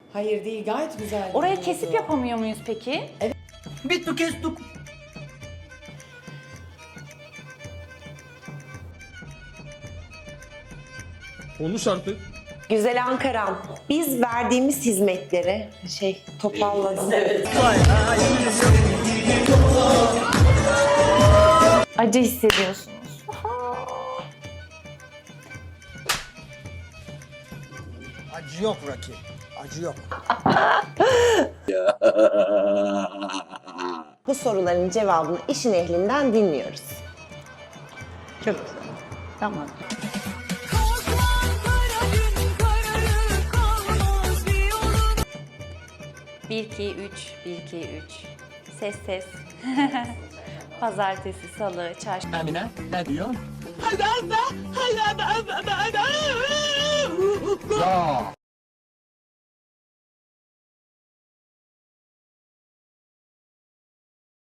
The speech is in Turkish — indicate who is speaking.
Speaker 1: Hayır değil, gayet güzel.
Speaker 2: Orayı
Speaker 1: gidiyordu.
Speaker 2: kesip yapamıyor muyuz peki?
Speaker 3: Bitti kestik.
Speaker 4: Konuş artık.
Speaker 5: Güzel Ankara'm, biz verdiğimiz hizmetleri toparladım.
Speaker 2: Acı hissediyorsunuz.
Speaker 3: Acı yok Rocky. Acı yok.
Speaker 5: Bu soruların cevabını işin ehlinden dinliyoruz.
Speaker 2: Çok güzel. Tamam. Bir, iki, üç. Bir, iki, üç. Ses ses. Pazartesi, salı, çarşamba.
Speaker 3: Emine ne diyor? Ya